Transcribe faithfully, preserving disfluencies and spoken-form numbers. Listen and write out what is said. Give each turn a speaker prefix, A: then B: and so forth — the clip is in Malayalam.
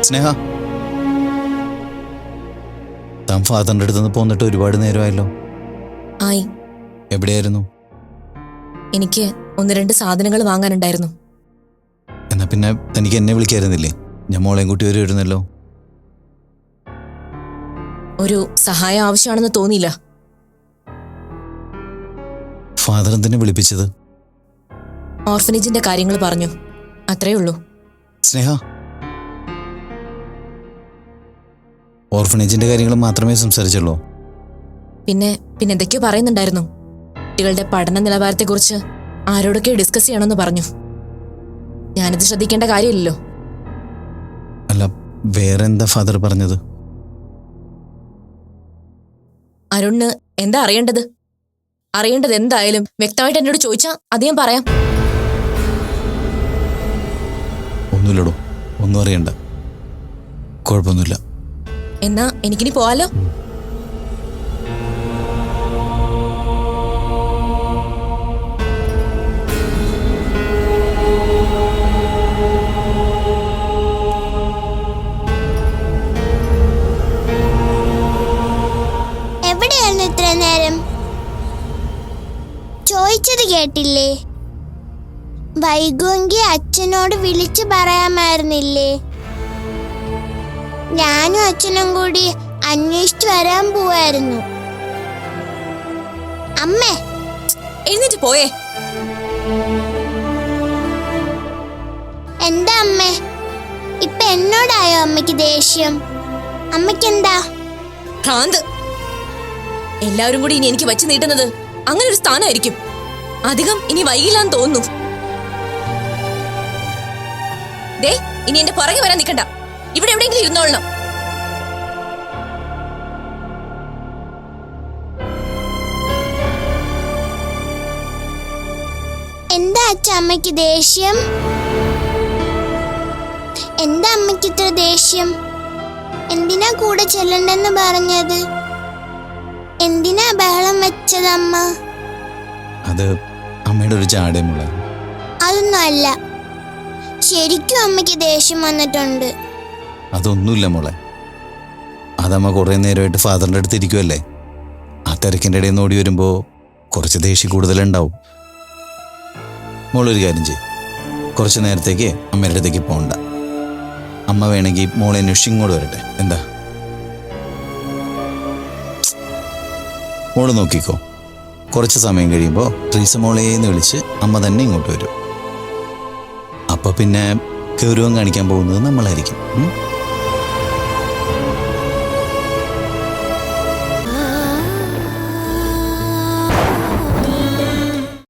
A: സ്നേഹ, താൻ ഫാദറിന്റെ അടുത്തുനിന്ന് പോന്നിട്ട് ഒരുപാട് നേരമായല്ലോ.
B: ആയി.
A: എവിടെയായിരുന്നു?
B: എനിക്ക് ഒന്ന് രണ്ട് സാധനങ്ങൾ വാങ്ങാനുണ്ടായിരുന്നു.
A: എന്നാ പിന്നെ തനിക്ക് എന്നെ വിളിക്കായിരുന്നില്ലേ? ഞാൻ മോളെയും കൂട്ടി വരുമായിരുന്നല്ലോ.
B: ഒരു സഹായം ആവശ്യമാണെന്ന് തോന്നിയില്ല.
A: ഫാദർ എന്തിനെ വിളിപ്പിച്ചത്?
B: ഓർഫനേജിന്റെ കാര്യങ്ങൾ പറഞ്ഞു, അത്രേ ഉള്ളൂ.
A: സ്നേഹ, ഓർഫനേജിന്റെ കാര്യങ്ങൾ മാത്രമേ സംസാരിച്ചുള്ളൂ?
B: പിന്നെ പിന്നെ എന്തൊക്കെയോ പറയുന്നുണ്ടായിരുന്നു. കുട്ടികളുടെ പഠന നിലവാരത്തെക്കുറിച്ച് ആരോടൊക്കെ ഡിസ്കസ് ചെയ്യണമെന്ന് പറഞ്ഞു. ഞാനിത് ശ്രദ്ധിക്കേണ്ട കാര്യമില്ലല്ലോ.
A: അല്ല, വേറെ എന്താ ഫാദർ പറഞ്ഞത്?
B: അരുണിന് എന്താ അറിയേണ്ടത്? അറിയേണ്ടത് എന്തായാലും വ്യക്തമായിട്ട് എന്നോട് ചോദിച്ചാൽ അത് ഞാൻ പറയാം.
A: ഒന്നുമില്ലടോ, ഒന്നും അറിയണ്ട, കുഴപ്പമൊന്നുമില്ല.
B: എന്നാ എനിക്കിനി പോവാലോ?
C: എവിടെയായിരുന്നു ഇത്ര നേരം? ചോദിച്ചത് കേട്ടില്ലേ? വൈകുമെങ്കിൽ അച്ഛനോട് വിളിച്ചു പറയാമായിരുന്നില്ലേ? ഞാനും അച്ഛനും കൂടി അന്വേഷിച്ചു വരാൻ പോവായിരുന്നു. അമ്മേ,
B: എഴുന്നേറ്റ് പോയേ.
C: എന്താ അമ്മേ, ഇപ്പൊ എന്നോടായോ അമ്മയ്ക്ക് ദേഷ്യം? അമ്മയ്ക്കെന്താ?
B: ഭ്രാന്ത്. എല്ലാവരും കൂടി ഇനി എനിക്ക് വച്ച് നീട്ടുന്നത് അങ്ങനെ ഒരു സ്ഥാനമായിരിക്കും. അധികം ഇനി വൈകില്ലാന്ന് തോന്നുന്നു. ദേ, ഇനി എന്റെ പുറകെ വരാൻ നിൽക്കണ്ട. ഇവിടെ എവിടെയെങ്കിലും ഇരുന്നോളണം.
C: എന്താ അച്ഛ അമ്മയ്ക്ക് ദേഷ്യം? എന്താ അമ്മയ്ക്ക് ഇത്ര ദേഷ്യം? എന്തിനാ കൂടെ ചെല്ലണ്ടെന്ന് പറഞ്ഞത്? എന്തിനാ ബഹളം വെച്ചത് അമ്മ?
A: അത് അമ്മയുടെ ഒരു ചാടേമുള്ള.
C: അതൊന്നും അല്ല, ശരിക്കും അമ്മയ്ക്ക് ദേഷ്യം വന്നിട്ടുണ്ട്.
A: അതൊന്നുമില്ല മോളെ, അതമ്മ കുറേ നേരമായിട്ട് ഫാദറിൻ്റെ അടുത്ത് ഇരിക്കുമല്ലേ. ആ തിരക്കിൻ്റെ ഇടയിൽ നിന്ന് ഓടി വരുമ്പോൾ കുറച്ച് ദേഷ്യം കൂടുതലുണ്ടാവും. മോളൊരു കാര്യം ചെയ്യും, കുറച്ച് നേരത്തേക്ക് അമ്മയുടെ അടുത്തേക്ക് പോകണ്ട. അമ്മ വേണമെങ്കിൽ മോളെ അന്വേഷിച്ച് ഇങ്ങോട്ട് വരട്ടെ. എന്താ? മോള് നോക്കിക്കോ, കുറച്ച് സമയം കഴിയുമ്പോൾ ട്രീസ മോളേന്ന് വിളിച്ച് അമ്മ തന്നെ ഇങ്ങോട്ട് വരും. അപ്പോൾ പിന്നെ ഗൗരവം കാണിക്കാൻ പോകുന്നത് നമ്മളായിരിക്കും.